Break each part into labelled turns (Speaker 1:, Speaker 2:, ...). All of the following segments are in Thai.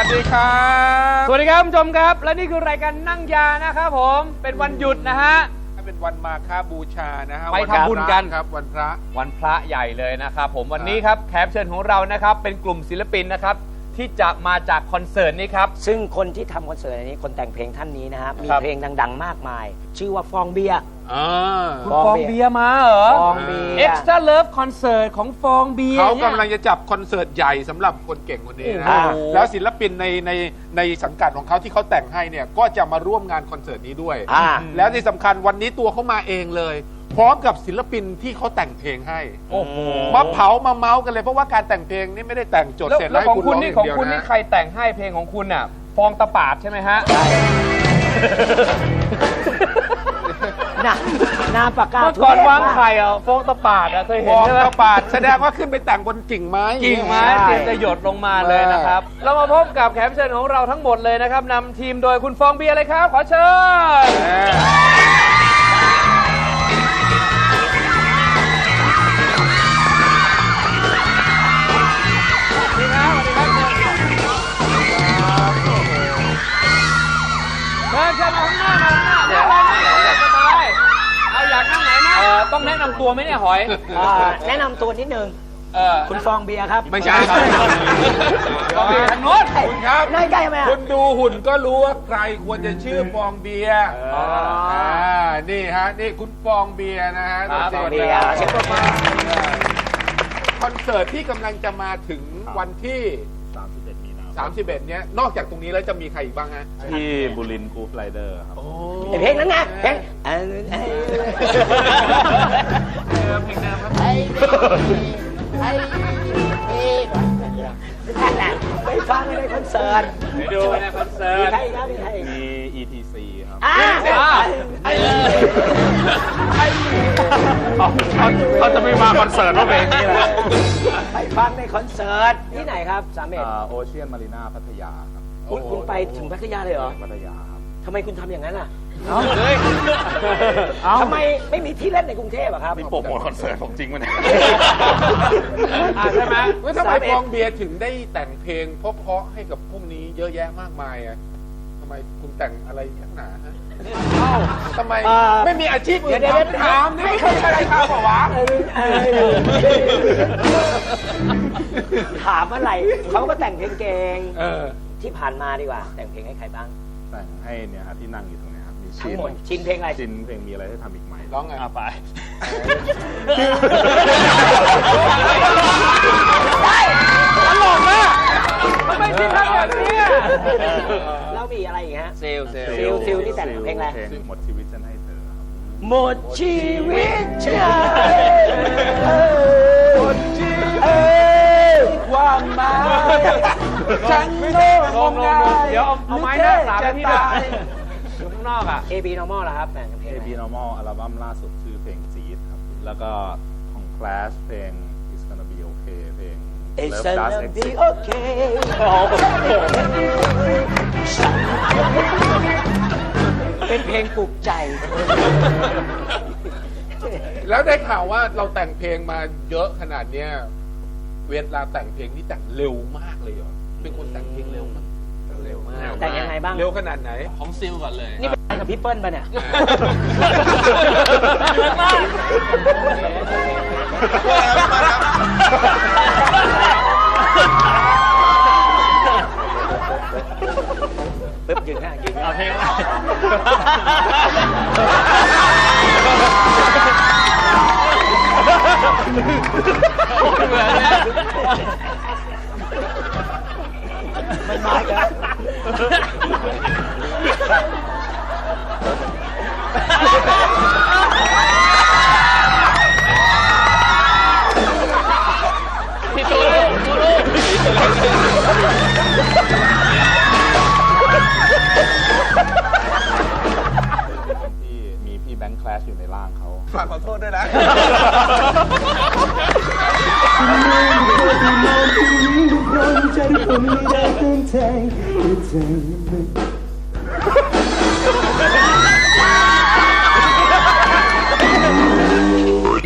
Speaker 1: ดีครับ
Speaker 2: สวัสดีครับคุณผู้ชมครับและนี่คือรายการนั่งยานะครับผมเป็นวันหยุดนะฮะ
Speaker 1: เป็นวันมาฆบูชานะฮะ
Speaker 2: ไปทำบุญกัน
Speaker 1: ครับวันพระ
Speaker 2: ใหญ่เลยนะครับผมวันนี้ครับแขกเชิญของเรานะครับเป็นกลุ่มศิลปินนะครับที่จะมาจากคอนเสิร์ตนี้ครับ
Speaker 3: ซึ่งคนที่ทำคอนเสิร์ตนี้คนแต่งเพลงท่านนี้นะฮะมีเพลงดังๆมากมายชื่อว่าฟองเบียร์
Speaker 2: คุณฟองเบียร์มาเหรอ
Speaker 3: ฟองเบียร์
Speaker 2: Extra Love คอนเสิร์ตของฟองเบียร์
Speaker 1: เขากำลังจะจับคอนเสิร์ตใหญ่สำหรับคนเก่งคนนี้นะแล้วศิลปินในสังกัดของเขาที่เขาแต่งให้เนี่ยก็จะมาร่วมงานคอนเสิร์ตนี้ด้วยแล้วที่สำคัญวันนี้ตัวเขามาเองเลยพร้อมกับศิลปินที่เขาแต่งเพลงให้มาเผามาเมาส์กันเลยเพราะว่าการแต่งเพลงนี่ไม่ได้แต่งจดเสร็จแล้ว
Speaker 2: ของคุณนี่ของคุณนี่ใครแต่งให้เพลงของคุณอ่ะฟองตะปาดใช่ไหมฮะ
Speaker 3: น้ำปากกา
Speaker 2: ก่อนวางไข่อ่ะฟองตะปาดอ่ะเคยเห็นใช่ไหม
Speaker 1: ตะปาดแสดงว่าขึ้นไปแต่งบนกิ่งไม้
Speaker 2: เตรียมจะหยดลงมาเลยนะครับเรามาพบกับแขกเชิญของเราทั้งหมดเลยนะครับนำทีมโดยคุณฟองเบียร์เลยครับขอเชิญเชิญมาข้างหน้าเดี๋ยวสบายเอาอยากนั่งไหนนะต้องแนะนำตัวไหมเนี่ยหอย
Speaker 3: แนะนำตัวนิดนึงคุณฟองเบียร์ครับ
Speaker 1: ไม่ใช่ครับ
Speaker 2: ฟองเบียร์ทางโน้น
Speaker 1: คุณครับ
Speaker 3: ได้ใกล้ไหม
Speaker 1: คุณดูหุ่นก็รู้ว่าใครควรจะชื่อฟองเบียร์นี่ฮะนี่คุณฟองเบียร์นะฮะ
Speaker 3: ฟองเบียร์เชิญมา
Speaker 1: คอนเสิร์ตที่กำลังจะมาถึงวันที่31เนี้ยนอกจากตรงนี้แล้วจะมีใครอีกบ้างฮะ
Speaker 4: ที่บุรินทร์กรูฟไรเดอร์ครับ
Speaker 3: เพลงนั้นนะเพลง
Speaker 1: ครับ
Speaker 3: ไปฟังในคอนเสิร์ต
Speaker 2: ไปดูในคอนเสิร์ต
Speaker 4: มี ETC ครับ
Speaker 2: เขาจะไม่มาคอนเสิร์ตเพลงนี้แหละ
Speaker 3: ไปฟังในคอนเสิร์ตที่ไหนครับ
Speaker 4: โอเชียนมารีนาพัทยาครับ
Speaker 3: คุณไปถึงพัทยาเลยเหรอ
Speaker 4: พัทยาครับ
Speaker 3: ทำไมคุณทำอย่างนั้นล่ะทำไมไม่มีที่เล่นในกรุงเทพอะครับ
Speaker 4: มีโปรโมทคอนเสิร์ตของจริงมั้ยเนี่ย
Speaker 1: ใช่ไหมว่าทำไมฟองเบียร์ถึงได้แต่งเพลงเพราะๆให้กับพวกนี้เยอะแยะมากมายอะทำไมคุณแต่งอะไรนักหนาฮะทำไมไม่มีอาชีพอื่นทำนี่ไม่เคยใช้ทำหรอวะ
Speaker 3: ถามอะไรเขาก็แต่งเพลงเก่งที่ผ่านมาดีกว่าแต่งเพลงให้ใครบ้าง
Speaker 4: แต่งให้เนี่ยที่นั่งอยู่ตรงนี้ครับมี
Speaker 3: ชินเพลงอะไร
Speaker 4: ชินเพลงมีอะไรให้ทำอีกไหม
Speaker 1: ร้องไง
Speaker 4: ไป
Speaker 2: ได้ตลกมากทำไมชินทำแบบนี้
Speaker 3: แล้วมีอะไรอีกฮะ
Speaker 2: ซิล
Speaker 3: ที่แต่งเพลงอะไร
Speaker 4: เพลงหมดชีวิตฉันให้เธอ
Speaker 3: หมดชีวิตฉันหมดชีวิตความหมายฉัน
Speaker 2: ลงเดี๋ยวเอาไม้หน้าสามที่ได้อยู่ข้างนอกอ่ะ
Speaker 3: AB Normal เหรอครับแต่งเพลง
Speaker 4: AB Normal อัลบั้มล่าสุดชื่อเพลงจี๊ดครับแล้วก็ของ Clash เพลง It's Gonna Be Okay เพลง
Speaker 3: It's Gonna Be Okay เป็นเพลงปลุกใจ
Speaker 1: แล้วได้ข่าวว่าเราแต่งเพลงมาเยอะขนาดเนี้ยเวลาแต่งเพลงนี่แต่งเร็วมากเลยเหรอเป็นคนแต่งเพลงเร็วมาก
Speaker 3: แต่งยังไงบ้าง
Speaker 1: เร็วขนาดไหน
Speaker 2: ของซิลก่อนเลย
Speaker 3: นี่เป็นกับพี่เปิ้ลป่ะเนี่ยปึ๊บยืนหน้า
Speaker 2: เอาเพลงอะไรเหมือนเนี่ย
Speaker 3: มันมาแล้ว
Speaker 2: พี่ตูรู
Speaker 4: ที่มีพี่แบงค์แคลชอยู่ในร่างเขา
Speaker 1: ฝากขอโทษด้วยนะใจผมไม่ได้ตั้งใจ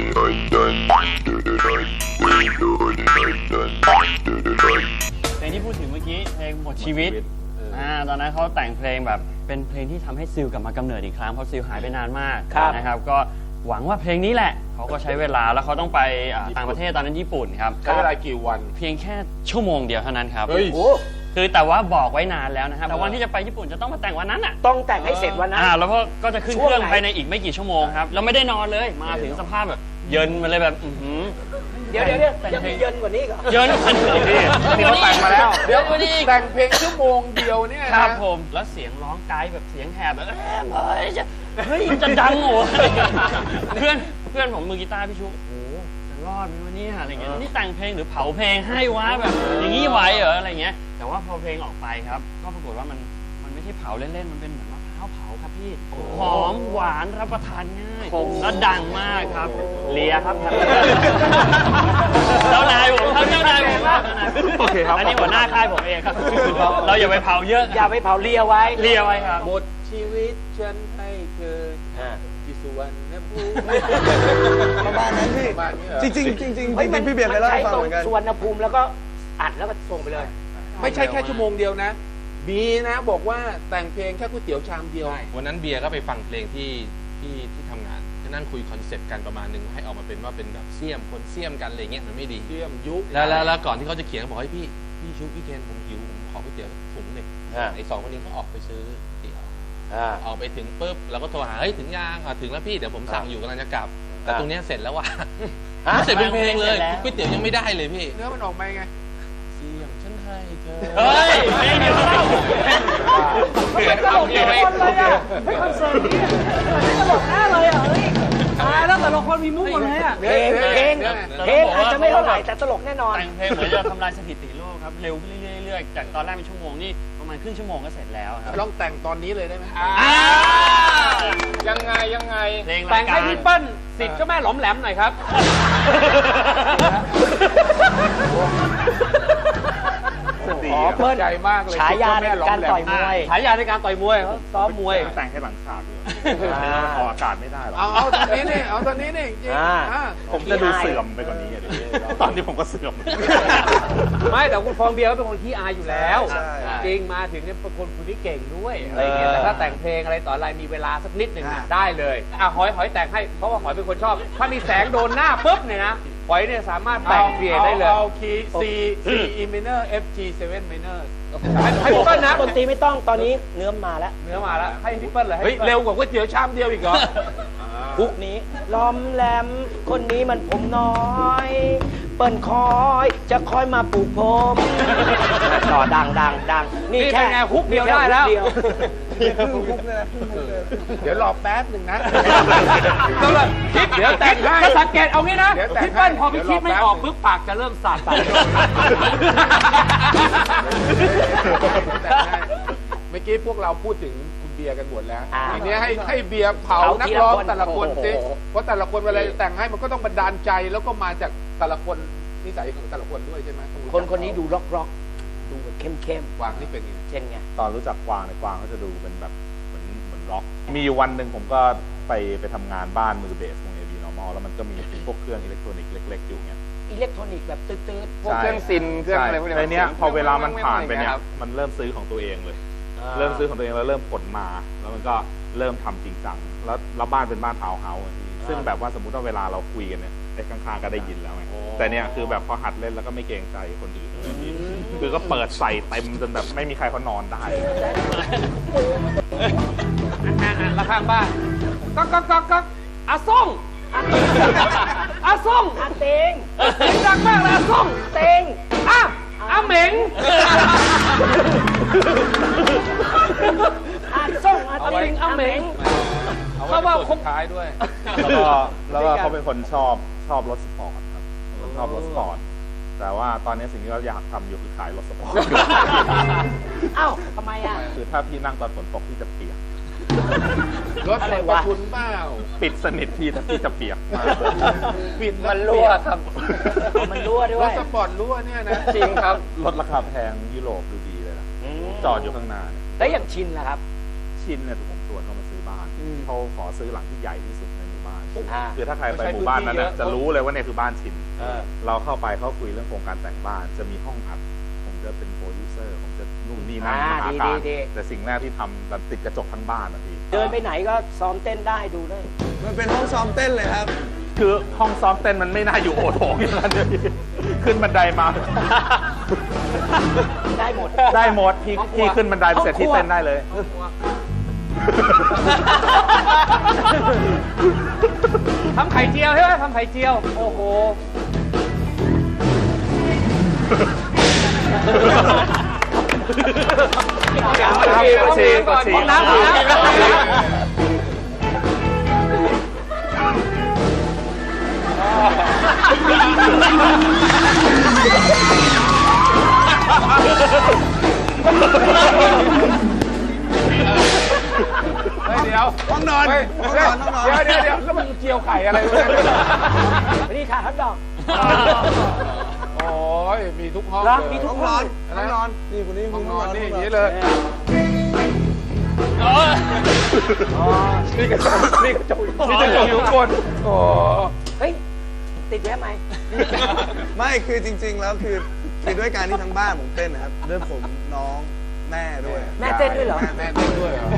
Speaker 2: ในที่พูด
Speaker 5: ดถึงเมื่อกี้เพลงหมดชีวิตตอนนั้นเขาแต่งเพลงแบบเป็นเพลงที่ทำให้ซิลกลับมากำเนิดอีกครั้งเพราะซิลหายไปนานมากนะครับก็หวังว่าเพลงนี้แหละเขาก็ใช้เวลาแล้วเขาต้องไปต่างประเทศตอนนั้นญี่ปุ่นครับ
Speaker 1: ใช้เวลากี่วัน
Speaker 5: เพียงแค่ชั่วโมงเดียวเท่านั้นครับ
Speaker 3: คือ
Speaker 5: แต่ว่าบอกไว้นานแล้วนะครับแต่วันที่จะไปญี่ปุ่นจะต้องมาแต่งวันนั้นอ่ะ
Speaker 3: ต้องแต่งให้เสร็จวันนั้น
Speaker 5: แล้วก็จะขึ้นเครื่องภายในอีกไม่กี่ชั่วโมงครับแล้วไม่ได้นอนเลยมาถึงสภาพแบบเยินมาเลยแบบ
Speaker 3: เดี๋ยวยังมีเยินกว่านี้ก่อน
Speaker 5: เยินกว่านี้
Speaker 1: ที่เขาแต่งมาแล้วเดี๋ยวแต่งเพลงชั่วโมงเดียวเนี่ย
Speaker 5: ครับผมแล้วเสียงร้องไกด์แบบเสียงแหบแบบเฮ้ยจะดังโหเพื่อนผมมือกีตาร์พี่ชุโอ้จะรอดไหมวะเนี่ยอะไรเงี้ยนี่แต่งเพลงหรือเผาเพลงให้วะแบบอย่างนี้ไหวเหรออะไรเงี้ยแต่ว่าพอเพลงออกไปครับก็ปรากฏว่ามันไม่ใช่เผาเล่นๆมันเป็นเหมือนมะพร้าวเผาครับพี่หอมหวานรับประทานง่ายแล้วดังมากครับเลียครับเจ้านายผมครับเจ้านายผมครับโอเคครับอันนี้หัวหน้าค่ายผมเองครับเราอย่าไปเผาเยอะ
Speaker 3: อย่าไปเผาเลียไว้
Speaker 5: ครับ
Speaker 1: หมดชีวิตฉันให้เธอที่สุวรรณภูมิ
Speaker 6: ประมาณนั้นพี่จริงพี่เบียร์เคยเล่าให้ฟังเหมือนกัน
Speaker 3: สุวรรณภูมิแล้วก็อัดแล้วก็ส่งไปเลย
Speaker 1: ไม่ใช่แค่ชั่วโมงเดียวนะบีนะบอกว่าแต่งเพลงแค่ก๋วยเตี๋ยวชามเดียว
Speaker 7: วันนั้นเบียร์ก็ไปฟังเพลงที่ทำงานก็นั่งคุยคอนเซ็ปต์กันประมาณนึงให้ออกมาเป็นว่าเป็นแบบเสี่ยมคนเสี่ยมกันอะไรเงี้ยมันไม่ดี
Speaker 1: เสี่ยมยุค
Speaker 7: แล้วก่อนที่เขาจะเขียนบอกให้พี่ชุบพี่เคนผมหิวผมขอก๋วยเตี๋ยวถุงหนึ่งไอ้สองคนนี้เขาออกไปซื้อเตี๋ยวออกไปถึงปุ๊บเราก็โทรหาเฮ้ยถึงยังถึงแล้วพี่เดี๋ยวผมสั่งอยู่กำลังจะกลับแต่ตรงนี้เสร็จแล้วว่ะเสร็จเป็นเพลงเลยก๋วยเตี๋ยวยังไม่ได้เลยพี่
Speaker 1: เนื้อมันออกมาไง
Speaker 7: เสี่ยมฉันให้เธอ
Speaker 5: เฮ้ยไม่เดี๋ยวเล่า
Speaker 3: ไม่ตลกเลยอ่ะไม่คอนเสิร์ตนี้ไม่ตลกแน่เลยอ่ะเฮ้ยตายแล้วแต่ละคนมีมุกหมดเลยอ่ะเพลงอาจจะไม่เท่าไหร่แต่ตลกแน่นอน
Speaker 5: แต่งเพลงเหมือนจะทำลายสถิติโลกครับเร็วขึ้นเรื่อยๆจากตอนแรกเป็นชั่วโมงนี่ประมาณครึ่งชั่วโมงก็เสร็จแล้วครับ
Speaker 1: ลองแต่งตอนนี้เลยได้ไหม
Speaker 2: ยังไงแต่งให้พี่เปิ้ลสิทธิ์เจ้าแม่หลอมแหลมหน่อยครับ
Speaker 3: เปิ้ล
Speaker 1: ใจมากเลย
Speaker 3: ฉายาในการต่อยมวย
Speaker 2: ฉายาในการต่อยมวยเขาซ้อมมวย
Speaker 4: แต่งให้หลังฉากด้วยออกอากาศไม่ได้หรอก
Speaker 1: เอาตอนนี้นี่เอาตอนนี้นี่
Speaker 4: ผมจะดูเสื่อมไปกว่านี้ตอนนี้ผมก็เสื่อม
Speaker 2: ไม่แต่คุณฟองเบียร์ก็เป็นคนที่อายอยู่แล้วจริงมาถึงเนี่ยเป็นคนที่เก่งด้วยอะไรเงี้ยแต่ถ้าแต่งเพลงอะไรต่ออะไรมีเวลาสักนิดหนึ่งได้เลยหอยแต่งให้เพราะว่าหอยเป็นคนชอบถ้ามีแสงโดนหน้าปุ๊บเนี่ยนะหอยเนี่ยสามารถแต่งเปลี่ยนได้เลย
Speaker 1: เอาคีย์ C E minor F G 7 minor
Speaker 3: ให้พี่เปิ้ลนะดนตรีไม่ต้องตอนนี้เนื้อมาแล้ว
Speaker 2: ให้พี่เปิ้ลเลย
Speaker 1: เร็วกว่าก๋วยเตี๋ยวชามเดียวอีกเหรอ
Speaker 3: พวกนี้ล้อมแหลมคนนี้มันผมน้อยเปิ้ลคอยจะคอยมาปลูกผมต่อดัง
Speaker 2: นี่แค่ไงฮุกเดียวได้แล้ว
Speaker 1: เดี๋ยวรอแป๊บหนึ่งนะ
Speaker 2: คิดเดี๋ยวแต่งให้สังเกตเอางี้นะพี่เปิ้ลพอพี่คิดไม่ออกปุ๊บปากจะเริ่มสั่น
Speaker 1: เมื่อกี้พวกเราพูดถึงคุณเบียร์กันหมดแล้วทีนี้ให้เบียร์เผานักร้องแต่ละคนสิเพราะแต่ละคนเวลาแต่งให้มันก็ต้องบันดาลใจแล้วก็มาจากแต่ละคนนิสัยของแต่ละคนด้วยใช่ไหม
Speaker 3: คนนี้ดูร็อกดูแบบเข้ม
Speaker 1: กวางนี่เป็นไง
Speaker 3: เช่นไง
Speaker 4: ตอนรู้จักกวางเนี่ยกวางเขาจะดูเป็นแบบเหมือนร็อกมีวันหนึ่งผมก็ไปทำงานบ้านมือเบสวง AB Normal แล้วมันก็มีพวกเครื่องอิเล็กทรอนิกส์เล็กๆอยู่เงี้ย
Speaker 3: อิเล็กทรอนิกส์แบบตื้อ
Speaker 2: พวกเครื่องซินเครื่องอะไรพวกนี้
Speaker 4: ในเนี้ยพอเวลามันผ่านไปเนี่ยมันเริ่มซื้อของตัวเองเลยเริ่มซื้อของตัวเองแล้วเริ่มขนมาแล้วมันก็เริ่มทำจริงจังแล้วบ้านเป็นบ้านทาวน์เฮาส์ซึ่งแบบว่าสมมุติว่าเวลาเราคุยกันเนี่ยไอ้ข้างๆก็ได้ยินแล้วไงแต่เนี่ยคือแบบพอหัดเล่นแล้วก็ไม่เกรงใจคนอื่นคือก็เปิดใส่เต็มจนแบบไม่มีใครเขานอนได้
Speaker 2: ละข้างบ้านก็อาส่ง
Speaker 3: อาเต็ง
Speaker 2: ดังมากเลยอาส่ง
Speaker 3: เต็ง
Speaker 2: อาเหม็ง
Speaker 3: อาส่งอาเต็งอาเหม็ง
Speaker 1: เขาว่าคบท้ายด้วย
Speaker 4: แล้วก็เขาเป็นคนชอบรถสปอร์ตครับชอบรถสปอร์ตแต่ว่าตอนนี้สิ่งที่เราอยากทำอยู่คือขายรถสปอร์ต
Speaker 3: ทำไม
Speaker 4: คือถ้าพี่นั่งตอนฝนตกพี่จะเปียก
Speaker 1: รถอะไรวะคุณเปล่า
Speaker 4: ปิดสนิทพี่ถ้าพี่จะเปียกมาก
Speaker 1: ปิดมันรั่วครับ
Speaker 3: มันรั่วด้วย
Speaker 1: รถสปอร์ตรั่วเนี่ยนะ
Speaker 2: จริงครับ
Speaker 4: รถราคาแพงยุโรปดูดีเลยนะจอดอยู่ข้างหน้า
Speaker 3: แล้วอย่างชินล่ะครับ
Speaker 4: ชินเนี่ยถูกผมชวนเขามาซื้อบ้านเขาขอซื้อหลังที่ใหญ่ที่สุดในหมู่บ้านคือถ้าใครไปหมู่บ้านนั้นจะรู้เลยว่าเนี่ยคือบ้านชินเราเข้าไปเขาคุยเรื่องโครงการแต่งบ้านจะมีห้องอัดผมจะเป็นโปรดิวเซอร์ผมจะนู่นนี่นั่นมหาการแต่สิ่งแรกที่ทำแบบติดกระจกทั้งบ้านนะพี่
Speaker 3: เดินไปไหนก็ซ้อมเต้นได้ดูได้
Speaker 6: มันเป็นห้องซ้อมเต้นเลยครับ
Speaker 4: คือห้องซ้อมเต้นมันไม่น่าอยู่โอโถงอย่างนั้นเลยพี่ขึ้นบันไดมา
Speaker 3: ได้หมด
Speaker 4: ได้หมดพี่ขึ้นบันไดไปเสร็จที่เต้นได้เลย
Speaker 2: ทำไข่เจียวใช่ไหมทำไข่เจียว โอ้โห
Speaker 4: กดฉี่
Speaker 2: น้ำก่อน
Speaker 1: เดี๋ยว
Speaker 6: ห้องนอน ห้องนอน ห้องนอน
Speaker 1: เดี๋ยวแล้วมันเจียวไข่อะไรวะ
Speaker 3: นี่ค่ะฮัทดอก
Speaker 1: โอ้ยมีทุกห้อง
Speaker 3: แล้ว
Speaker 1: เลย
Speaker 3: มีทุ
Speaker 6: ห้
Speaker 3: ก
Speaker 6: องนอน ห้องนอน นี่คนนี้
Speaker 1: ห้องนอน
Speaker 6: ห้
Speaker 1: นี่
Speaker 6: ง
Speaker 1: อย่างนี้เลย นี่กระจกนี่กระจกอยู่ข้างบนโอ้
Speaker 3: เฮ้ย ติดแวะไหม
Speaker 6: ไม่คือจริง ๆ แล้วคือด้วยการที่ทั้งบ้านผมเต้นนะครับด้วยผมน้องแม่ด้วย
Speaker 3: แม่เต้นด้วยเหรอ
Speaker 1: แม่เต้นด้วยเหรอ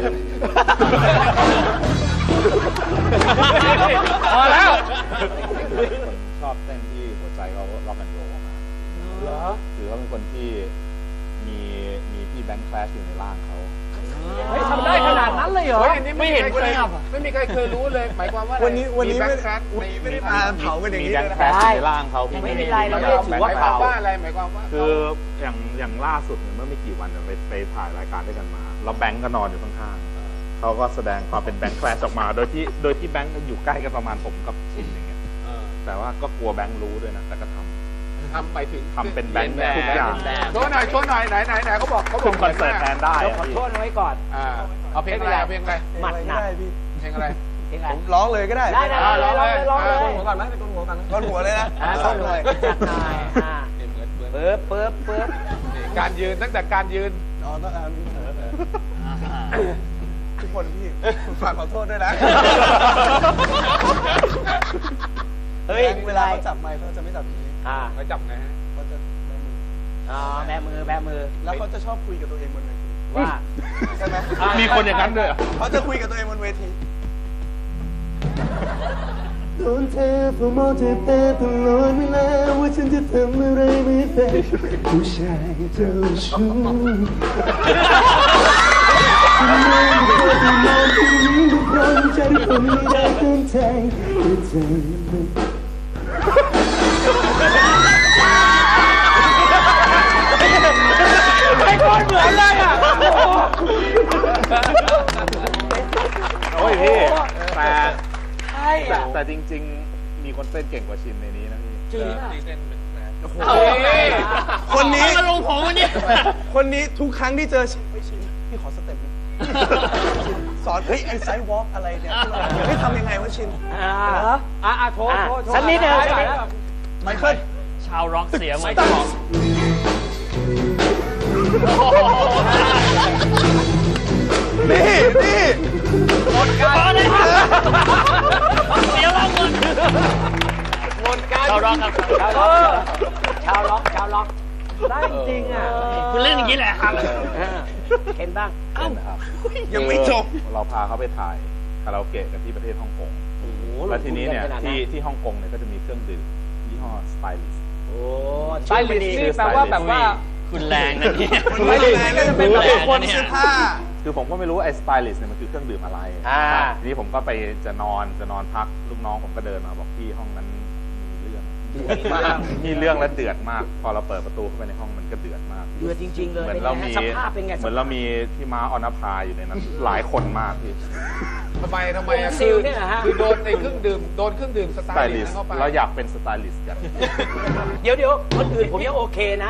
Speaker 2: พอแล้ว
Speaker 4: ชอบเต้นที่หัวใจเขาล็อกแอนด์โรลมาก
Speaker 3: เหรอ
Speaker 4: คือเขาเป็นคนที่มีพี่แบงค์แคลชอยู่ในร่างเขา
Speaker 3: เฮ้ยทำได้ขนาดนั้นเลยเหรอ
Speaker 1: เฮ้ยอันนี้ไม่เห็นเคยไม่มีใครเคยรู้เลย หมายความว่า
Speaker 6: วันนี้ไม่
Speaker 1: แบง
Speaker 6: ได้
Speaker 1: ค์ครัส
Speaker 6: ไม่ได้มาเผากันอย่าง
Speaker 4: มี
Speaker 6: นี้
Speaker 4: แบ
Speaker 6: เล
Speaker 4: ง
Speaker 6: ย
Speaker 4: ค์แคลชอยู่ในร่างเขาพี่
Speaker 3: ไม่เป็นไรเราไม่ได้ถือว่า
Speaker 1: หมายความว่าอะไรหมายความว่า
Speaker 4: คืออย่างล่าสุดเนี่ยเมื่อไม่กี่วันเนี่ยไปถ่ายรายการด้วยกันมาแล้วแบงค์ก็นอนอยู่ข้างๆเขาก็แสดงความเป็นแบงค์แคลชออกมาโดยที่แบงค์อยู่ใกล้กันประมาณผมกับชินอย่างเงี้ยแต่ว่าก็กลัวแบงค์รู้ด้วยนะแต่ก็ทำ
Speaker 1: ไปถึง
Speaker 4: ทำเป็นแบงค์ทุกอย่าง
Speaker 1: โชว์หน่อยไหนเขาบอก
Speaker 4: ขึ้นคอนเสิร์ตแทนได้
Speaker 3: เรา
Speaker 4: อะ
Speaker 3: ขอ
Speaker 4: พี่
Speaker 3: โทษไว้ก่อน
Speaker 1: เอาเพลงอะไรเอาเพลงอะไร
Speaker 3: หมัดหนัก
Speaker 6: ได้พี่
Speaker 1: เพลงอะไร
Speaker 3: เพลงอะไร
Speaker 6: ผมร้องเลยก็ได้
Speaker 3: ได้ร้องเลยร้องเลย
Speaker 6: หัวก่อนไหมเป็นต้นหัวกันต้นหัวเลยนะ
Speaker 3: ต้นเลยจัดหน่อยเปิบ
Speaker 1: การยืนตั้งแต่การยืน
Speaker 6: อ๋อต้องทุกคนพี่ฝากขอโทษด้วยนะ
Speaker 3: เฮ้ย
Speaker 6: เวลาเขาจับไมค์เขาจะไม่จับอย่างนี้
Speaker 1: ไปจับไงฮะ
Speaker 6: เขาจะแบมือ
Speaker 3: แบมือ
Speaker 6: แล้วเขาจะชอบคุยกับตัวเองบนเวที
Speaker 3: ว่า
Speaker 6: ใช่ไหม
Speaker 4: มีคนอย่างนั้นด้วยเหรอ
Speaker 6: เขาจะคุยกับตัวเองบนเวที
Speaker 8: โดนเธอผู้มองเธอแต่ตลอดเวลาว่าฉันจะทำอะไรไม่เป็นผู้ชายเจ้าชู้ฉันมองดูเธอที่มองที่นี้ทุกคนใจที่คนไม่ได้ตั้งใจแต่ใจมัน
Speaker 3: ไอ้คนเหมือนเลยอ่ะ
Speaker 4: โอ้ยพี่แต่
Speaker 3: ใช่อ่ะ
Speaker 4: แต่จริง ๆ มีคนเต้นเก่งกว่าชินในนี้นะพี่
Speaker 3: จริงอ่ะ
Speaker 6: คนนี้
Speaker 5: มาลงผมวันนี้
Speaker 6: คนนี้ทุกครั้งที่เจอชินพี่ขอสเต็ปนึงสอนเฮ้ยไอ้ไซด์วอล์กอะไรเนี่ยให้ทำยังไงวะชิน
Speaker 2: โทษ
Speaker 3: สักนิดนึง
Speaker 6: ไมเคิล
Speaker 5: ชาวร็อกเสียไหมชาว
Speaker 6: นี่
Speaker 5: หมดการเลยครับเสียร็อกหมด
Speaker 2: หมดการ
Speaker 5: ชาวร็อกครับ
Speaker 3: ชาวล็อกได้จริงอ่ะ
Speaker 5: คุณเล่นอย่างนี้แหละครับ
Speaker 3: เห็นบ้าง
Speaker 4: เต้นนะครับ
Speaker 6: ยังไม่จบ
Speaker 4: เราพาเขาไปถ่ายคาราโอเกะกันที่ประเทศฮ่องกงแล้วทีนี้เนี่ยที่ฮ่องกงเนี่ยก็จะมีเครื่องดื่มยี่ห้อสไตลิส
Speaker 3: โอ้
Speaker 2: ไตลิสนี่แปลว่าแบบว่า
Speaker 5: คุณแรงนะเนี่ย
Speaker 6: คนไม่ได้แรงน่าจะเป็นแบบคนเสื้อผ้า
Speaker 4: คือผมก็ไม่รู้ไอ้สไตลิสเนี่ยมันคือเครื่องดื่มอะไรทีนี้ผมก็ไปจะนอนพักลูกน้องผมก็เดินมาบอกพี่ห้องนั้นมีเรื่องและเดือดมาก พอเราเปิดประตูเข้าไปในห้องมันก็เดือดมาก
Speaker 3: เดือดจริงๆเลย
Speaker 4: เหมือนเรามี
Speaker 3: สภาพเป็นไง
Speaker 4: เหมือนเรามีพี่ม้าออนภาอยู่ในนั้น หลายคนมากพี่
Speaker 1: ทำไมอ่ะ
Speaker 3: ซิลเนี่ยนะฮะ
Speaker 1: คือโดนในเครื่องดื่มส
Speaker 4: ส
Speaker 1: ไต
Speaker 4: ไต
Speaker 1: ล์
Speaker 4: ลิ
Speaker 1: ลิ
Speaker 4: ส
Speaker 1: สต์เข้าไป
Speaker 4: เราอยากเป็นสไตลิสต์กัน
Speaker 3: เดี๋ยวคนอื่นผมยังโอเคนะ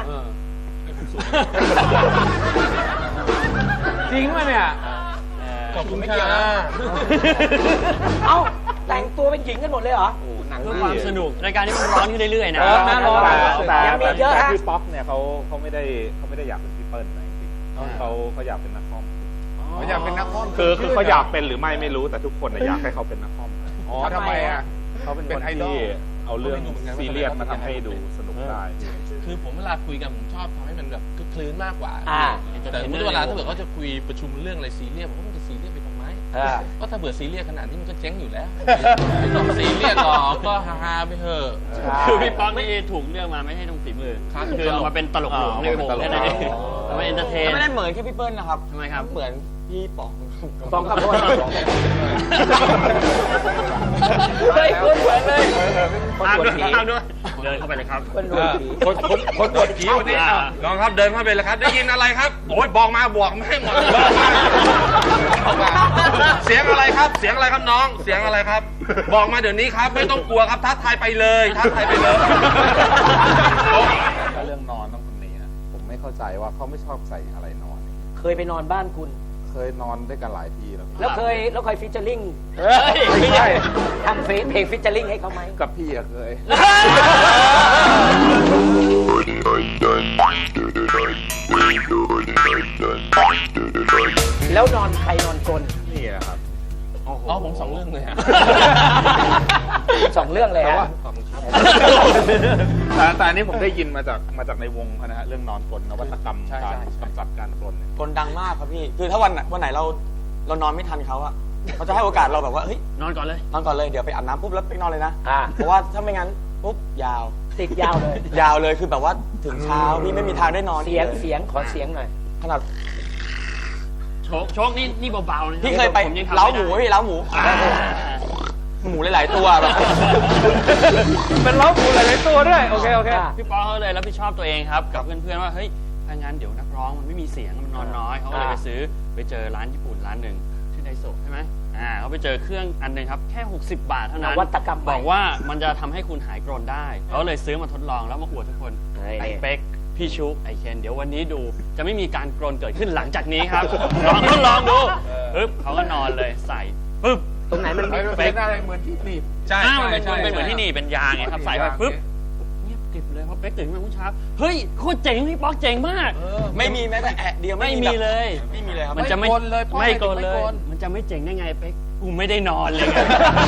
Speaker 2: จริงป่ะเนี่ย
Speaker 6: ขอบคุณค่ะ
Speaker 3: เอ้าแต่งตัวเป็นหญิงกันหมดเลยเหรอ
Speaker 5: เพื่อความสนุกรายการนี้มันร้อนขึ้นเรื่อยๆนะ
Speaker 4: แต่
Speaker 3: ยังมีเยอะฮะ
Speaker 4: พี่ป๊อกเนี่ยเขาไม่ได้อยากเป็นพี่เปิ้ลนะจริงๆเขาอยากเป็นนักคอม
Speaker 1: เขาอยากเป็นนักคอม
Speaker 4: คือเขาอยากเป็นหรือไม่รู้แต่ทุกคนน่ะอยากให้เขาเป็นนักคอมนะ
Speaker 1: อ๋อทำไมอ่ะ
Speaker 4: เขาเป็น
Speaker 1: เป็
Speaker 4: คน น
Speaker 1: ไอดอล
Speaker 4: ที่เอาเรื่องซีเรียสมาทำให้ดูสนุกได้
Speaker 7: คือผมเวลาคุยกันผมชอบทำให้มันแบบคลึกคลื้นมากกว่า แต่เวลาถ้าเกิดเขาจะคุยประชุมเรื่องอะไรซีเรียสผมว่ามันจะซีเรียสไปทำไมก็ถ้าเบื่อซีเรียสขนาดนี้มันก็เจ๊งอยู่แล้วไม่ต้องซีเรียสหรอกก็ฮาๆไปเถอะ
Speaker 5: คือพี่ป๊อกนี่ถูกเลือกมาไม่ใช่ตรงฝีมือคือเอามาเป็นตลกหลวงในวงแค่นั้นเองเอามาเอนเตอร์เทน
Speaker 3: ไม่ได้เหมือนแค่พี่เปิ้ลนะครับ
Speaker 5: ทำไมครับ
Speaker 3: เหมือนพี่ป๋อง
Speaker 2: ปองกับพวก
Speaker 3: เฮ้ยคุณเหมือนเลย
Speaker 5: ตามด้วยตามด้วยเดินเข้าไปเลยครับ
Speaker 2: คนบวชผีวันนี้
Speaker 7: น้องครับเดินเข้าไปเลยครับได้ยินอะไรครับโอ้ยบอกมาบวกไม่ให้หมดเสียงอะไรครับเสียงอะไรครับน้องเสียงอะไรครับ บอกมาเดี๋ยวนี้ครับไม่ต้องกลัวครับท้าทายไปเลยท้าทายไปเลย
Speaker 4: ถ้าเรื่องนอนต้องคนนี้นะผมไม่เข้าใจว่าเขาไม่ชอบใส่อะไรนอน
Speaker 3: เคยไปนอนบ้านคุณ
Speaker 4: เคยนอนด้วยกันหลายทีแล้ว
Speaker 3: แล้วเคยฟิชเจอริง
Speaker 4: ไม่ใช่
Speaker 3: ทำเพลงฟิชเจอริงให้เขาไหม
Speaker 4: กับพี่อะเคย
Speaker 3: แล้วนอนใครนอนกลน
Speaker 4: นี่แหละครับ
Speaker 7: อ๋อผมสองเรื่องเลยฮะ
Speaker 3: สองเรื่องเลยฮะ
Speaker 4: แต่อันนี้ผมได้ยินมาจากในวงเขานะฮะเรื่องนอนกลนนวัตกรรมการกำจัดการกลนเนี่ย
Speaker 6: คนดังมากครับพี่ คือถ้าวันไหนเรานอนไม่ทันเขาอะเขาจะให้โอกาสเราแบบว่าเฮ้ย
Speaker 5: นอนก่อนเลย
Speaker 6: นอนก่อนเลยเดี๋ยวไปอาบน้ำปุ๊บแล้วไปนอนเลยนะ
Speaker 3: อ่า
Speaker 6: เพราะว่าถ้าไม่งั้นปุ๊บยาว
Speaker 3: ติดยาวเลย
Speaker 6: ยาวเลยคือแบบว่าถึงเช้าพี่ไม่มีทางได้นอน
Speaker 3: เสียงขอเสียงหน่อย
Speaker 6: ขนาด
Speaker 5: โชคนี่เบาๆนะ
Speaker 6: พี่เคยไป
Speaker 5: ผมงทำ
Speaker 6: เล้า
Speaker 5: ไม่
Speaker 6: ห
Speaker 5: ได้
Speaker 6: มูพี่เล้าหมู หมูหลายๆตัวแบบ
Speaker 2: เป็นล้อผูหลายๆตัวด้วยโอเค
Speaker 5: พี่ป๊อกเขาเลยรับผิดชอบตัวเองครับกับเพื่อนๆว่าเฮ้ยถ้างั้นเดี๋ยวนักร้องมันไม่มีเสียงมันนอนน้อยเขาก็เลยไปเจอร้านญี่ปุ่นร้านหนึ่งชื่อไดโซะใช่ไหมเขาไปเจอเครื่องอันหนึงครับแค่60 บาทเท่านั้น
Speaker 3: นวัตกรรมใหม่
Speaker 5: บอกว่ามันจะทำให้คุณหายกรนได้เขาเลยซื้อมาทดลองแล้วมาอวดทุกคน
Speaker 3: เฮ้ย
Speaker 5: ไอ้เป๊กพี่ชุกไอ้เคนเดี๋ยววันนี้ดูจะไม่มีการกรนเกิดขึ้นหลังจากนี้ครับ ลองดูปึ๊บเขาก็นอนเลยใส่ปึ๊บ
Speaker 3: ตรงไหนมันมี
Speaker 1: เป็นอะไรเหมือนที่หนีบ
Speaker 7: ใช่
Speaker 5: มันเป็นเหมือนที่นี่เป็นยางไงครับใส่ไปปึ๊บเงียบกริบเลยพอเป๊กตื่นขึ้นมาเมื่อเช้าเฮ้ยโคตรเจ๋งพี่ป๊อกเจ๋งมาก
Speaker 6: ไม่มีแม้แต่แอะเดียว
Speaker 5: ไม่
Speaker 6: แบบ
Speaker 5: มีเลย
Speaker 6: ไม่มีเลยครับ
Speaker 5: มันจะไม่
Speaker 1: ไม่กลนเลยเพราะ
Speaker 5: ไม่กลน
Speaker 1: ไม่
Speaker 5: เล
Speaker 1: กล
Speaker 5: ย
Speaker 1: น
Speaker 5: มันจะไม่เจ๋งได้ไงเป๊กกูไม่ได้นอนเลยไง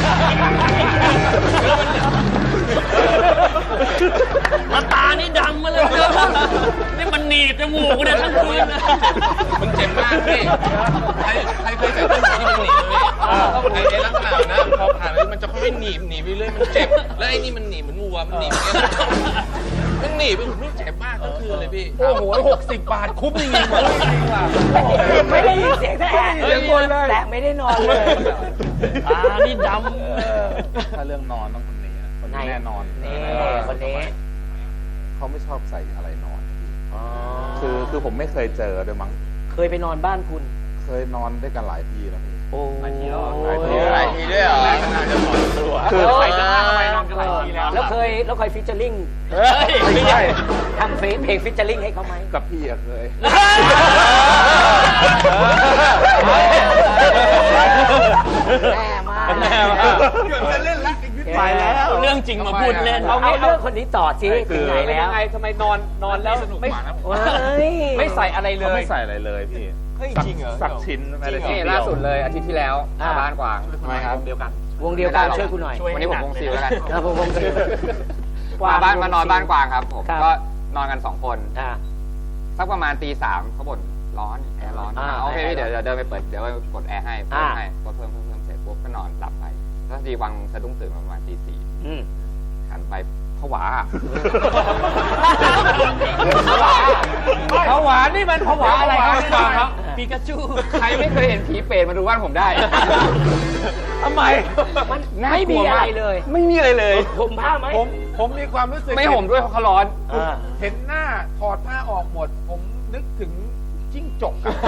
Speaker 5: แล้วตานี่ดำมาเลยนี่มันหนีบจมูกเนี่ยทั้งคืนนะ
Speaker 7: มันเจ็บมากพี่ใครเคยใส่เครื่องมือที่มันหนีบไหมพี่ไอ้ลักษณะนะพอผ่านไปมันจะค่อยๆหนีบไปเรื่อยมันเจ็บแล้วไอ้นี่มันหนีบเหมือนวัวมันหนีบอย่างเงี้ยมันหนีบมันเจ็บมากทั้งคืนเลยพี่
Speaker 1: โอ้โห60 บาทคุ้มจริงๆหมดจริงว่ะ
Speaker 3: ไม่ได้ยินเสียงแตะ
Speaker 1: เสียงคนเลย
Speaker 3: แต่ไม่ได้นอนเลย
Speaker 5: ตานี่ด
Speaker 4: ถ้าเรื่องนอนต้องคนนี้นะคนนี้แน่นอน
Speaker 3: นี่คนนี้
Speaker 4: เขาไม่ชอบใส่อะไรนอนคือผมไม่เคยเจอด้วยมั้ง
Speaker 3: เคยไปนอนบ้านคุณ
Speaker 4: เคยนอนด้วยกันหลายทีแล้วพี่
Speaker 3: โอ้
Speaker 4: หลายที
Speaker 6: หลายทีด้วยเหรอ
Speaker 4: คือ
Speaker 3: ไป
Speaker 4: ไป
Speaker 3: ทำไมนอนกันหลายทีแล้วเคยฟิชเจอริง
Speaker 4: ไม่ใช่
Speaker 3: ทำเพลงฟิชเจอริงให้เขาไหม
Speaker 4: กับพี่อะเคย
Speaker 3: แน่มาก
Speaker 1: ไปแล้ว
Speaker 5: ำเรื่องจริงมาพูดเล่น
Speaker 3: เอาเรื่องคนนี้ต่อสิ
Speaker 4: คื
Speaker 3: ถึ
Speaker 4: อ
Speaker 3: งไหนแล้ว
Speaker 2: ยังไงทำไมนอนแล้วไม่
Speaker 3: ว้าย
Speaker 2: ไม่ใส่อะไรเล
Speaker 4: เขา
Speaker 2: ย
Speaker 4: ไม่ใส่อะไรเลยพี่
Speaker 6: เฮ้ยจริงเหรอ
Speaker 4: สักชิ้นไม่ได้
Speaker 2: นี่
Speaker 4: ชิ้นเดียว
Speaker 2: ล่าสุดเลยอาทิตย์ที่แล้วมาบ้านกวาง
Speaker 1: ทำไมครับเดียวกัน
Speaker 3: วงเดียวกันช่วยคุณหน่อย
Speaker 2: วันนี้ผมวงซิลแล้วกัน
Speaker 3: ผมวงซิล
Speaker 2: มานอนบ้านกวางครับผม
Speaker 3: ครับ
Speaker 2: ก็นอนกัน2 คน
Speaker 3: อ่า
Speaker 2: สักประมาณตี 3เขาบ่นร้อนแอร์ร้อน โอเคพี่เดี๋ยวเดินไปเปิดเดี๋ยวไปกดแอร์ให้เพิ่มให้กดเพิ่มเสร็จปุ๊บก็นอนหลับไปแล้วทีวังสะดุ้งตื่นมาประมาณตี
Speaker 3: อืม
Speaker 2: 4หันไปผวา
Speaker 1: ผวานี่มันผวาอะไรครับ
Speaker 5: ปีกาจู
Speaker 2: ใครไม่เคยเห็นผีเปรตมาดูบ้านผมได้
Speaker 1: ทำไม
Speaker 3: มันไม่มีอะไรเลย
Speaker 6: ไม่มีอะไรเลย
Speaker 3: ผมผ้าไหม
Speaker 1: ผมมีความรู้สึก
Speaker 2: ไม่ห่มด้วยเพราะเขาร้อน
Speaker 1: เห็นหน้าถอดผ้าออกหมด ผมนึกถึงจิ้งจกอะ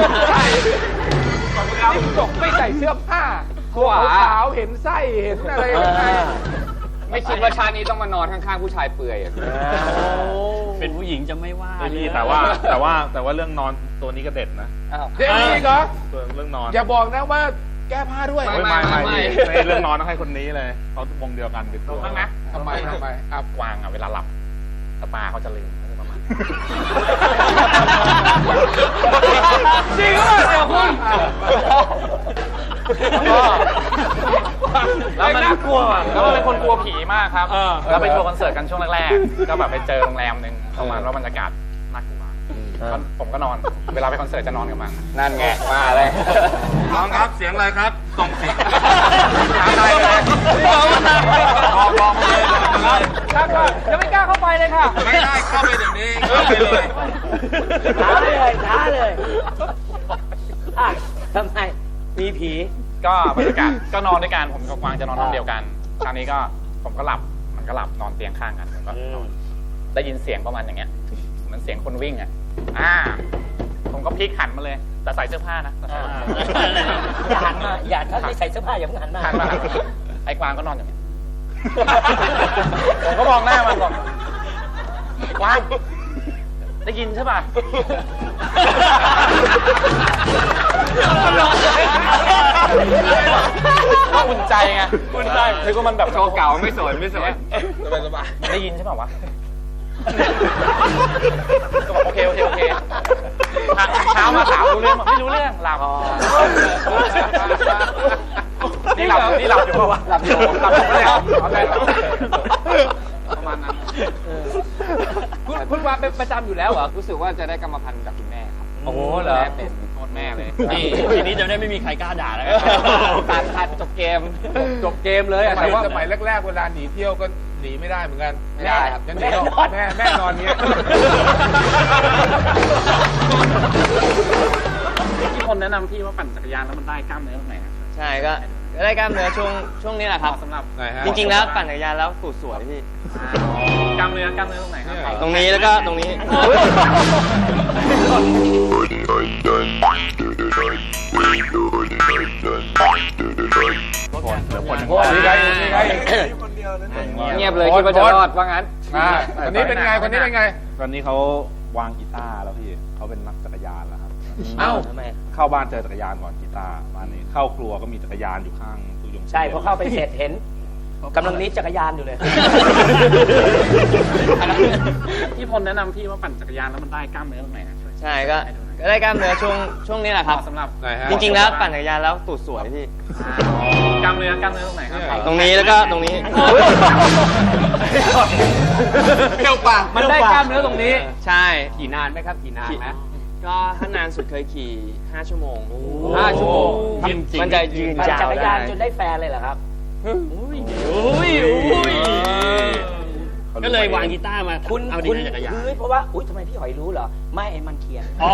Speaker 1: จิ้งจกไม่ใส่เสื้อผ้าตัวขาวๆเห็นไส้เห็นอะไรข้างใน
Speaker 2: ไม่คิดว่าชาตินี้ต้องมานอนข้างๆผู้ชายเปลือยอะ
Speaker 5: เป็นผู้หญิงจะไม่ว่า
Speaker 4: ไม่พี่
Speaker 5: เลย
Speaker 4: แต่ว่าเรื่องนอนตัวนี้ก็เด็ดนะ
Speaker 1: เดี๋ยวนี้เหรอ
Speaker 4: เรื่องนอน
Speaker 1: อย่าบอกนะว่าแก้ผ้าด้วย
Speaker 4: ไม่เรื่องนอนต้องให้คนนี้เลยเขาวงเดียวกันติดตัว
Speaker 1: ทำไมครับ
Speaker 4: กวางอ่ะเวลาหลับตาเขาจะลืมประมาณ
Speaker 1: จริงเหรอเดี๋ยวคุณ
Speaker 9: แล้วมันน่ากลัวแล้วมันเป็นคนกลัวผีมากครับแล้วไปทัวร์คอนเสิร์ตกันช่วงแรกๆก็แบบไปเจอโรงแรมหนึ่งประมาณว่าบรรยากาศน่ากลัวผมก็นอน เวลาไปคอนเสิร์ตจะนอนกับมัน
Speaker 2: นั่นไงมาเลย
Speaker 1: น้องครับเสียงอะไรครับส่งเสียง
Speaker 2: อะไรเลยบอกเลยครับก็ยังไม่กล้าเข้าไปเลยค่ะ
Speaker 1: ไม่ได้เข้าไปเดี๋ยวนี้เข้าไปเลย
Speaker 3: ท้าเลยอ่ะทำไมมีผี
Speaker 9: ก็บรรยากาศก็นอนด้วยกันผมกับกวางจะนอนห้องเดียวกันคราวนี้ก็ผมก็หลับมันก็หลับนอนเตียงข้างกันผมก็นอนได้ยินเสียงประมาณอย่างเงี้ยเหมือนเสียงคนวิ่งอ่ะผมก็พลิกหันมาเลยแต่ใส่เสื้อผ้านะ
Speaker 3: อย่าหันมาอย่าถ้าไม่ใส่เสื้อผ้าอย่าเพิ่งหันมา
Speaker 9: หันมาไอ้กวางก็นอนอย่างเงี้ยผมก็มองหน้ามันบอกกวางได้ยินใช่ป่ะก็อุ่นใจไงอุ่นใจคือว่ามันแบบ
Speaker 2: โชว์เก่าไม่สน
Speaker 9: สบายได้ยินใช่ป่ะวะก็บอกโอเคเช้ามาถามรู้เรื่องไม่รู้เรื่องหลับนี่หลับอยู่ป่ะวะหลับอยู่ประมาณนั้น
Speaker 2: คุณวาเป็นประจำอยู่แล้วเหรอรู้สึกว่าจะได้กรรมพันธุ์จากคุณแม่ครับ
Speaker 3: โอ้โหเหรอ
Speaker 2: แม่เป็นโทษแม่เลย
Speaker 5: นี่ทีนี้จะได้ไม่มีใครกล้าด่าแล้ว
Speaker 2: ตัดจบเกมเลยอะ
Speaker 1: แต่
Speaker 2: แต่
Speaker 1: ว่า
Speaker 2: ว่า
Speaker 1: สมัยแรกๆเวลาหนีเที่ยวก็หนีไม่ได้เหมือนกัน
Speaker 2: ไม่ได้ครับ
Speaker 1: ยังหนีแม่นอนเงี้ย
Speaker 9: ที่คนแนะนำพี่ว่าปั่นจักรยานแล้วมันได้กล้ามเนื้อตรงไหน
Speaker 10: ใช่ก็ได้กล้ามเนื้อช่วงนี้แหละครับ
Speaker 9: สำหรับ
Speaker 10: จริงๆแล้วปั่นจักรยานแล้วตูดสวยพี่
Speaker 9: กล้ามเนื้อตรงไหนครับ
Speaker 10: ตรงนี้แล้วก็ตรงนี้
Speaker 2: เงียบเลยคิดว่าจะรอดว่างั้น
Speaker 1: คนนี้เป็นไง
Speaker 4: ตอนนี้เขาวางกีตาร์แล้วพี่เขาเป็นนักจักรยานแล้วครับ
Speaker 3: เอ้าทำไม
Speaker 4: เข้าบ้านเจอจักรยานก่อนกีตาร์บ้านนี้เข้าครัวก็มีจักรยานอยู่ข้างตู้ยง
Speaker 3: ใช่พอเข้าไปเสร็จเห็นกำลังนี้จักรยานอยู่เลย
Speaker 9: ที่พลแนะนำพี่ว่าปั่นจักรยานแล้วมันได้กล้ามเนื้อตรงไหน
Speaker 10: ใช่ก็ได้กล้ามเนื้อช่วงนี้แหละครับ
Speaker 9: สำหรับ
Speaker 10: จริงๆแล้วปั่นจักรยานแล้วตูดสวยพี่
Speaker 9: กล้ามเนื้อตรงไหนครับ
Speaker 10: ตรงนี้แล้วก็ตรงนี้
Speaker 1: เที่ยวปาก
Speaker 2: มันได้กล้ามเนื้อตรงนี้
Speaker 10: ใช่
Speaker 2: ขี่นานไหมครับขี่นานไหม
Speaker 10: ก็ถ้านานสุดเคยขี่5 ชั่วโมง
Speaker 2: 5 ชั่วโมง
Speaker 10: มันจะยืน
Speaker 3: ปั่น
Speaker 10: ยาว
Speaker 3: จักร
Speaker 10: ได้
Speaker 3: ยานจนได้แฟนเลยเหรอครับ
Speaker 5: ก็เลยวางกีตาร์มา
Speaker 3: คุณ
Speaker 5: เอาดีในจักรยาน
Speaker 3: เพราะว่าอุ้ยทำไมพี่หอยรู้เหรอไม่ไอ้มันเขียน
Speaker 5: อ๋อ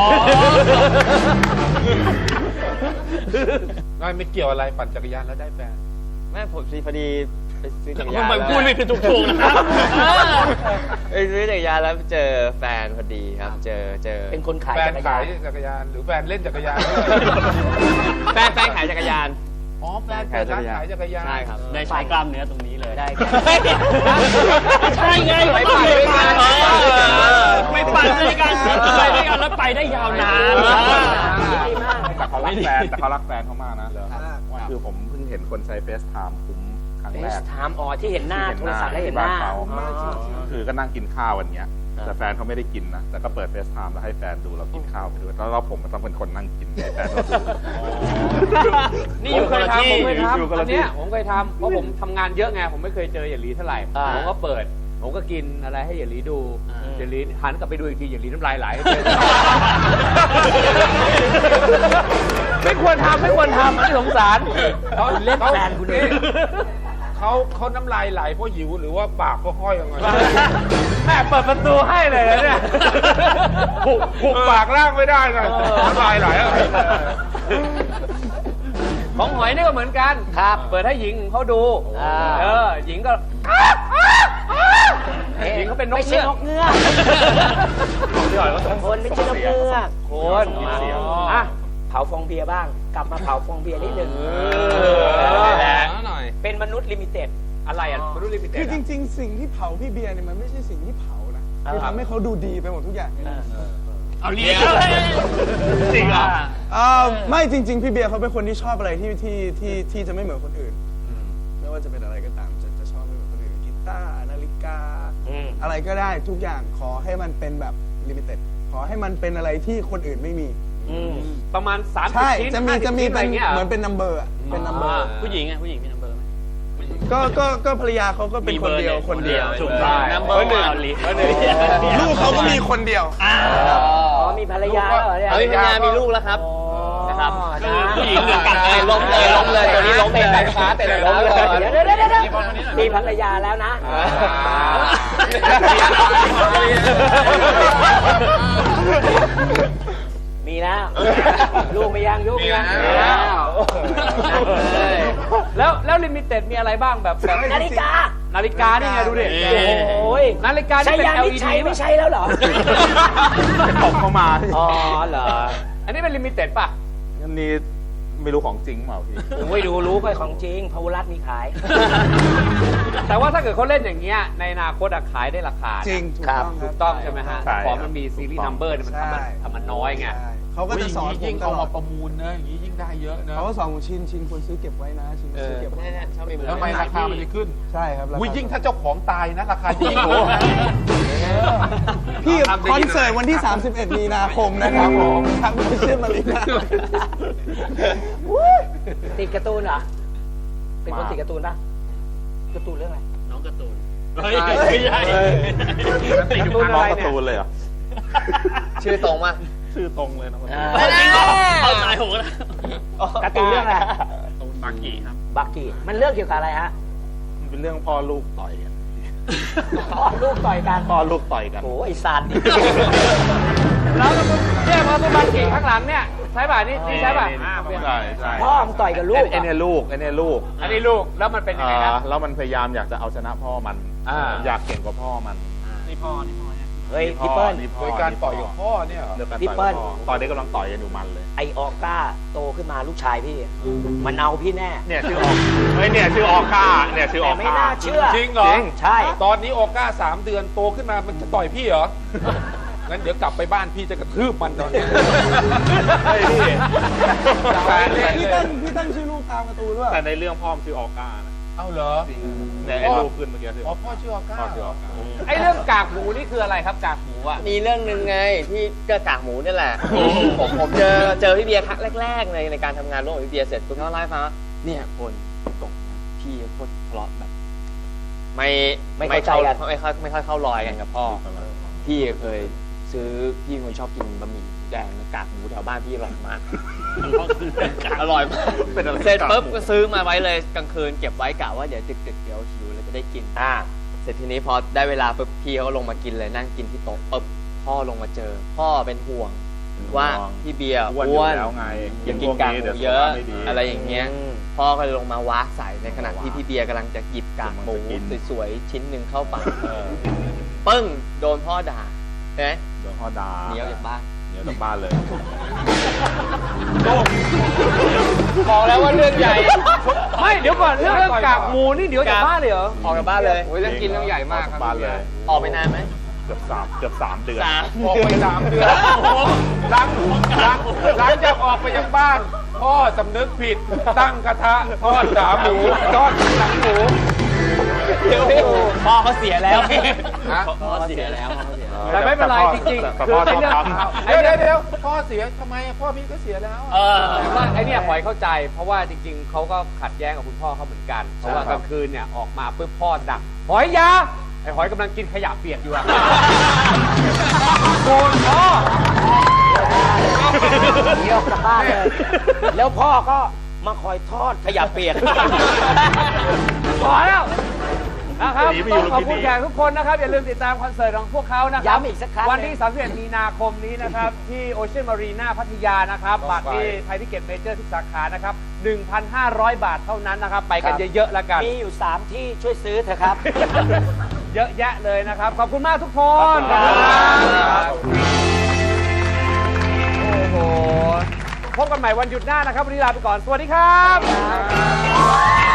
Speaker 1: ไม่เกี่ยวอะไรปั่นจักรยานแล้วได้แฟน
Speaker 10: แม่ผมพอดีไปซื้อจักร
Speaker 5: คุ
Speaker 10: ยา
Speaker 5: ณ
Speaker 10: น
Speaker 5: ไปพูดไม่ถูกนะครับ
Speaker 10: ไปซื้อจักรยานแล้วเจอแฟนพอดีครับ เจอ
Speaker 3: เป็นคนขาย
Speaker 1: แฟน
Speaker 3: จักร
Speaker 1: ขาย
Speaker 3: ยาน
Speaker 1: จักรยานหรือแฟนเล่นจักรยาน
Speaker 10: แฟนขายจักรยาน
Speaker 1: อ๋อแฟนเปิดร้านขายจักรยาน
Speaker 10: ใช่ครับ
Speaker 5: ได้ใช้กล้ามเนื้อตรงนี้เลย
Speaker 3: ได้
Speaker 5: ใช่ไง
Speaker 2: ไปปั่นด้วยกัน
Speaker 5: ไม่ปั่นด้วยกันไปด้วยกันแล้วไปได้ยาวนาน
Speaker 4: แต่เขารักแฟนเขามากนะคือผมเพิ่งเห็นคนใช้เฟซไทม์คุ้มครั้ง
Speaker 3: เฟ
Speaker 4: แร
Speaker 3: ซ
Speaker 4: ก
Speaker 3: ไทม์ที่เห็นหน้าโทรศัพท์แล้วเห็นหน้า
Speaker 4: คือก็นั่งกินข้าววันเนี้ยแต่แฟนเขาไม่ได้กินนะแต่ก็เปิดเฟซไทม์แล้วให้แฟนดูเรากินข้าวไปด้วยแล้วผมก็ต้องเป็นคนนั่งกินให้แฟนเราดู
Speaker 2: นี่อยู่คนละที่ผมเคยทำ
Speaker 4: อยู่คน
Speaker 2: อั
Speaker 4: ละ
Speaker 2: น
Speaker 4: ที่
Speaker 2: เนี้ยผมเคยทำเพราะผมทำงานเยอะไงผมไม่เคยเจอหยาหลีเท่าไหร่ผมก็เปิดผมก็กินอะไรให้หยาหลีดูหยาหลีหันกลับไปดูอีกทีหยาหลีน้ำลายไหลไม่ควรทำอันนี้สงสารเขาเล่นแฟนคุณเอง
Speaker 1: เขาน้ำลายไหลเพราะหิวหรือว่าปากเขาห้อยออกมา
Speaker 2: แม่เปิดประตูให้เลยนะเนี่ย
Speaker 1: หุบปากล่างไม่ได้เลยน้ำลายไหลอะไร
Speaker 2: ของหอยนี่ก็เหมือนกันครับเปิดให้หญิงเขาดูหญิงก็หญิงเขาเป็นนก
Speaker 3: ไม่ใช่
Speaker 2: เงือก
Speaker 3: นกเงือกคนไม่ใช่นกเงือก
Speaker 2: คนอ่ะ
Speaker 3: เผาฟองเบียร์บ้าง กลับมาเผาฟองเบียร์นิดนึง
Speaker 7: หน่อย
Speaker 3: เป็นมนุษย์ลิมิเต็ด
Speaker 2: อะไรอ่ะมนุษย์ลิมิเต็ด
Speaker 6: คือจริงๆ สิ่งที่เผาพี่เบียร์เนี่ยมันไม่ใช่สิ่งที่เผานะคือทำให้เขาดูดีไปหมดทุกอย่าง
Speaker 5: เอาเลี้ยงจริงเหรอ
Speaker 6: ไม่จริง ๆ พี่เบียร์เขาเป็นคนที่ชอบอะไรที่จะไม่เหมือนคนอื่น ไม่ว่าจะเป็นอะไรก็ตามจะชอบไม่เหมือนคนอื่นกีตาร์นาฬิกา อะไรก็ได้ทุกอย่างขอให้มันเป็นแบบลิมิเต็ดขอให้มันเป็นอะไรที่คนอื่นไม่มี
Speaker 2: ประมาณ30
Speaker 6: ใช่
Speaker 2: ชิ้น
Speaker 6: จะมี
Speaker 2: 50
Speaker 6: เป็น
Speaker 2: อะไรเงี้ย
Speaker 6: เหมือนเป็นนัมเบอร์เป็นนัมเบอร์
Speaker 5: ผู้หญิงมีนัมเบอร์ไหม
Speaker 6: ก็ภรรยาเขาก็เป็นคนเดียวคนเดียว
Speaker 5: ถูกต้องนัมเบอร์หนึ่ง
Speaker 6: ลูกเขาก็มีคนเดียว
Speaker 3: อ๋อมีภรรยาเหรอเนี่ย
Speaker 10: เฮ้ยภรรยามีลูกแล้วครับนะครับ
Speaker 5: ผู้หญิงหนึ่งกัน
Speaker 10: ล้มเลยตัวนี้ล้มเลย
Speaker 3: เตะล้มเลยเดี๋ยวมีภรรยาแล้วนะมีแล้วลูกไม่ยังยุกยัง
Speaker 2: แล้วลิมิเต็ดมีอะไรบ้างแบบ
Speaker 3: นาฬิกา
Speaker 2: นี่ไงดูดิ
Speaker 3: โอ้ย
Speaker 2: นาฬิกานี่เป็น LED
Speaker 3: ไม่ใช่แล้วเหรอ
Speaker 4: ตกเข้ามา
Speaker 3: อ๋อเหรอ
Speaker 2: อันนี้เป็นลิมิเต็ดป่ะ
Speaker 4: อันนี้ไม่รู้ของจริงเปล่าพี่
Speaker 3: โอ้ยรู้ไปของจริงพาวรัตมีขาย
Speaker 2: แต่ว่าถ้าเกิดเขาเล่นอย่างเงี้ยในอนาคตขายได้ราคา
Speaker 6: จริงถูก
Speaker 3: ครับ
Speaker 6: ต้อง
Speaker 2: ถูกต้องใช่ไหมฮะ
Speaker 4: ใช่
Speaker 2: ของมันมีซีรีส์นัมเบอร์มันทำมันน้อยไง
Speaker 6: ใช่เขาก็จะสอนผ
Speaker 1: ยิ่
Speaker 6: ม
Speaker 1: ง
Speaker 6: ต
Speaker 1: เอา
Speaker 6: ลอ
Speaker 1: มา
Speaker 6: ด
Speaker 1: ประมูลนะอย่างนี้ยิ่งได้เยอะนะ
Speaker 6: เขาก็สอนผมชินควรซื้อเก็บไว้นะชินซื้อเก็บไว้
Speaker 10: ชอบมี
Speaker 1: แล้วทำไมราคามันจะขึ้น
Speaker 6: ใช่ครับ
Speaker 1: อุ้ยยิ่งถ้าเจ้าของตายนะราคาจะยิ่งโหดนะ
Speaker 6: พี่คอนเสิร์ตวันที่ 31 มีนาคมนะครับผมทางโซเชียลมารีนา
Speaker 3: ติดการ์ตูนเหรอเป็นคนติดการ์ตูนป่ะการ์ตูนเรื่องอะไร
Speaker 5: น้องการ์ตูนเฮ้ยไม่ใช่
Speaker 4: ติดอยู่ข้างน้องการ์ตูนเลยเหรอ
Speaker 10: ชื่อตรงมา
Speaker 4: ชื่อตรงเลยนะคนนี้
Speaker 5: จริงเหรอเข้าใจผมนะ
Speaker 3: การ์ตูนเรื่องอะไร
Speaker 4: บากี้ครับ
Speaker 3: บักกี้มันเรื่องเกี่ยวกับอะไรฮะ
Speaker 4: มันเป็นเรื่องพ่อลูกต่อยกัน
Speaker 3: พ่อลูกต่อยกัน
Speaker 4: พ่อลูกต่อยกัน
Speaker 3: โอ้ไอ้ซานดิ
Speaker 2: แล้วเนี่ยพอตัวบันเก่งข้างหลังเนี่ยใช่ป่ะนี่ใช่ป่ะ
Speaker 4: ใช่ใช่
Speaker 3: พ่อมึงต่อยกับลูก
Speaker 4: ไอ้เนี่ยลูกไอ้เนี่ยลูก
Speaker 2: อันนี้ลูกแล้วมันเป็นยังไงครับ
Speaker 4: แล้วมันพยายามอยากจะเอาชนะพ่อมัน อยากเก่งกว่าพ่อมัน
Speaker 5: นี่พ่อเนี่ย
Speaker 3: เฮ้ยพี่เปิ้ล
Speaker 4: นี่พ่
Speaker 1: โดยการต่อยกับพ่อเนี่ยเหรอ
Speaker 4: เรื่องการ
Speaker 3: พี่
Speaker 4: ต่อย
Speaker 3: เปิ้ล
Speaker 4: กับพ่อตอนนี้กำลังต่อยกันอยู่มันเลย
Speaker 3: ไอออก้าโตขึ้นมาลูกชายพี่ มันเอาพี่แน่
Speaker 4: เนี่ยชื่อออกเฮ้ยเนี่ยชื่อออก้าเนี่ยชื่ออ
Speaker 3: แต่
Speaker 4: อ
Speaker 3: ไม่
Speaker 4: ก้า
Speaker 3: น่าเชื่อ
Speaker 1: จริงเหรอ
Speaker 3: ใช่
Speaker 1: ตอนนี้โอก้า3 เดือนโตขึ้นมามันจะต่อยพี่เหรอ งั้นเดี๋ยวกลับไปบ้านพี่จะกระทืบมันตอนนี้
Speaker 4: เฮ้ยพี่
Speaker 6: พี่ตั้งชื่อลูกตามการ์ตูนด้วย
Speaker 4: แต่ในเรื่องพ่อมนชื่อออก้านะ
Speaker 1: เอ้าเหรอ
Speaker 4: เนี่ยไอ้ลูกขึ้นเมื่อกี้ชื่อ
Speaker 1: อ๋อพ่อชื่อออก้า
Speaker 4: พ่อชื่อออก้า
Speaker 2: ไอ้เรื่องกากหมูนี่คืออะไรครับกากหมูอ่ะ
Speaker 10: มีเรื่องหนึ่งไงที่ก็กากหมูนี่แหละ ผมเจอพี่เบียร์ครั้งแรกๆในการทำงานร่วมกับพี่เบียร์เสร็จปุ๊บเขาเล่าให้ฟังว่าเนี่ยคนตกพี่โคตรทะเลาะแบบไม่ค่อยเข้ารอยกันกับพ่อ พี่เคยซื้อพี่คนชอบกินบะหมี่แดงกากหมูแถวบ้านพี่อร่อยมาก อร่อยมาก
Speaker 4: เป็นอะไร
Speaker 10: เสร็จปุ๊บก็ซื้อมาไว้เลยกลางคืนเก็บไว้กะว่าเดี๋ยวดึกๆเดี๋ยวหิวแล้วจะได้กินเสร็จทีนี้พอได้เวลาปุ๊บพี่เขาลงมากินเลยนั่งกินที่โต๊ะปุ๊บพ่อลงมาเจอ พ่อเป็นห่วงว่าพี่เบียร์
Speaker 4: อ้วนแล้วไง
Speaker 10: อย่ากินกากหมูเยอะอะไรอย่างเงี้ยพ่อก็เลยลงมาวากใส่ในขณะที่พี่เบียร์กำลังจะหยิบกากหมูสวยๆชิ้นหนึ่งเข้าปากปึ้งโดนพ่อด่าใช่ไหม
Speaker 4: โดนพ่อด่า
Speaker 10: หนีออกจากบ้าน
Speaker 4: หนีออกจากบ้านเลย
Speaker 2: บอกแล้วว่าเรื่องใหญ่ ไม่เดี๋ยวก่อนเรื่องกากหมูนี่เดี๋ยวจากบ้านเลยเหรอ
Speaker 10: ออกจากบ้านเลย
Speaker 2: โอ้ยเรื่องกินเรื่องใหญ่มากครับ
Speaker 4: บ้านเลย
Speaker 10: ออกไปนานไหม
Speaker 4: เกือบสามเดือน
Speaker 1: ออกไป3 เดือนหลังจากออกไปจากบ้าน พ่อสำนึกผิดตั้งกระทะทอดขาหมูทอดหนังหมู
Speaker 10: พ่อเขาเสียแล้ว
Speaker 1: ฮะ
Speaker 10: พ่อเสียแล้ว
Speaker 2: แต่ไม่เป็นไรจริงๆ
Speaker 4: แต่
Speaker 2: คือ
Speaker 4: พ่อ
Speaker 2: ไอ้
Speaker 4: ชอบ
Speaker 2: เรื่อง
Speaker 4: ทำ
Speaker 1: เดี๋ยวพ่อเสียทำไมพ่อพี่ก็เสียแล้ว
Speaker 2: แต่ว่าไอ้เนี่ยหอยเข้าใจ เพราะว่าจริงๆเขาก็ขัดแย้งกับคุณพ่อเขาเหมือนกัน เพราะว่ากลางคืนเนี่ยออกมาปุ๊บพ่อดักหอยยาไอ้หอยกำลังกินขยะเปียกอยู่อะโกนพ่อ
Speaker 3: หนีออกจากบ้านเลย แล้วพ่อก็มาคอยทอดขยะเปียก
Speaker 2: พอแล้วนะครับ
Speaker 4: หนีไม่
Speaker 2: ต้
Speaker 4: อ
Speaker 2: อยู่ งขอบคุณแขกทุกคนนะครับ อย่าลืมติดตามคอนเสิร์ตของพวกเขานะครับ
Speaker 3: ย้ำอีกสักครั้ง
Speaker 2: วันที่ 31 มีนาคมนี้นะครับ ที่โอเชียนมารีนาพัทยานะครับบัตรที่ไทยทิเก็ตเมเจอร์ทุกสาขานะครับ 1,500 บาทเท่านั้นนะครับ ไปกันเยอะๆแล้วกัน
Speaker 3: มีอยู่ 3 ที่ช่วยซื้อเถอะครับ
Speaker 2: เยอะแยะเลยนะครับ ขอบคุณมากทุกคน
Speaker 3: ขอบคุณครับ
Speaker 2: โอ้โห พบกันใหม่วันหยุดหน้านะครับ วันนี้ลาไปก่อน สวัสดีครับ